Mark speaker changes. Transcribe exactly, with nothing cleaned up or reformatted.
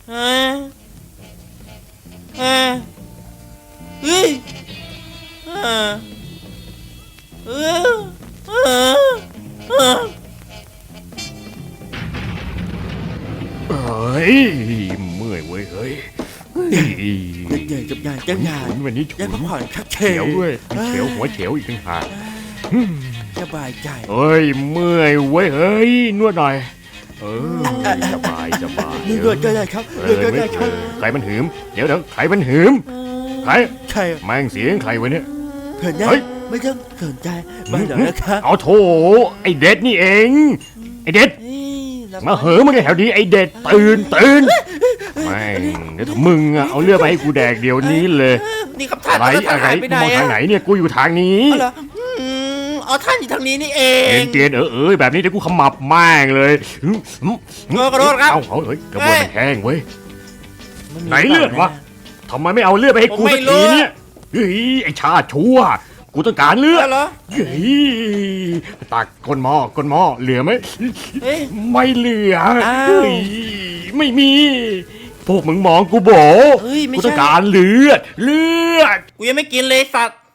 Speaker 1: ฮะฮะเฮ้ยฮะเออเออเออ
Speaker 2: เฮ้ยเมื่อยเว้ยเฮ้ย
Speaker 1: ใหญ่กับใหญ่จังใหญ่
Speaker 2: ฉุนวันนี้ฉุ
Speaker 1: ได้
Speaker 2: น
Speaker 1: พักผ่อนคักเฉ
Speaker 2: เขียวด้วยเขียวหัวเขียวอีกต่างหาก
Speaker 1: สบายใจ
Speaker 2: เฮ้ยเมื่อยเว้ยเฮ้ยนวดหน่อยเออสบายสบาย
Speaker 1: นี่เลือดก็ได้ครับ
Speaker 2: เอ
Speaker 1: เลือ
Speaker 2: อ
Speaker 1: ดก็
Speaker 2: ไม่
Speaker 1: ได้ค
Speaker 2: เอ
Speaker 1: รับ
Speaker 2: อใครมันหืมเดี๋ยวเดี๋ยวใครมันหืมใคร
Speaker 1: ใช่
Speaker 2: แม่งเสียงใครวะเนี่ย
Speaker 1: เพื่อนได้
Speaker 2: เฮ้ย
Speaker 1: ไม่ต้องสนใจมาเดี๋ยวนะครับ
Speaker 2: เอาโถไอเด็ดนี่เองไอเด็ด
Speaker 1: เฮ้ยร
Speaker 2: มาเหอะมึงแถวนี้ไอเด็ดตื่นตื่นแม่งเดี๋ยวถ้ามึงอะเอาเลือดไปให้กูแดกเดี๋ยวนี้เลย
Speaker 1: นี่ครับท่าน
Speaker 2: อะไร
Speaker 1: ท่าน
Speaker 2: อะไร
Speaker 1: หายไปไหน
Speaker 2: มอง
Speaker 1: อะ
Speaker 2: ทางไหนเนี่ยกูอยู่ทางนี้
Speaker 1: อ๋อเหรออืมอ๋อท่านอยู่ทางนี้นี่เอ
Speaker 2: เอ็
Speaker 1: ง
Speaker 2: นเตียนเออเออแบบนี้เดี๋ยวกูขมับแม่งเลยอืมอืม
Speaker 1: เออกระโดดครับ
Speaker 2: เอาเอาเฮ้ยกระบวนมันแห้งเว้ย
Speaker 1: มัมี
Speaker 2: ไหนเลือดวะ ทำไมไม่เอาเลือดไปให้กู
Speaker 1: ผมไม่
Speaker 2: สัก
Speaker 1: รู้
Speaker 2: ทีเนี่ยเฮ้ยไอชาติชั่วกูต้องการเลือด
Speaker 1: แล้วเหรอ
Speaker 2: เฮ้ยตักก้นหม้อก้นหม้อเหลือไหม
Speaker 1: เอ้ย
Speaker 2: ไม่เหลือ
Speaker 1: อ้าว
Speaker 2: เฮ้ยไม่มี พวกมึงมองกูโบ
Speaker 1: เฮ้ยไม่ใช่
Speaker 2: กูต้องการเลือด เลือด
Speaker 1: กูยังไม่กินเลยสัตว์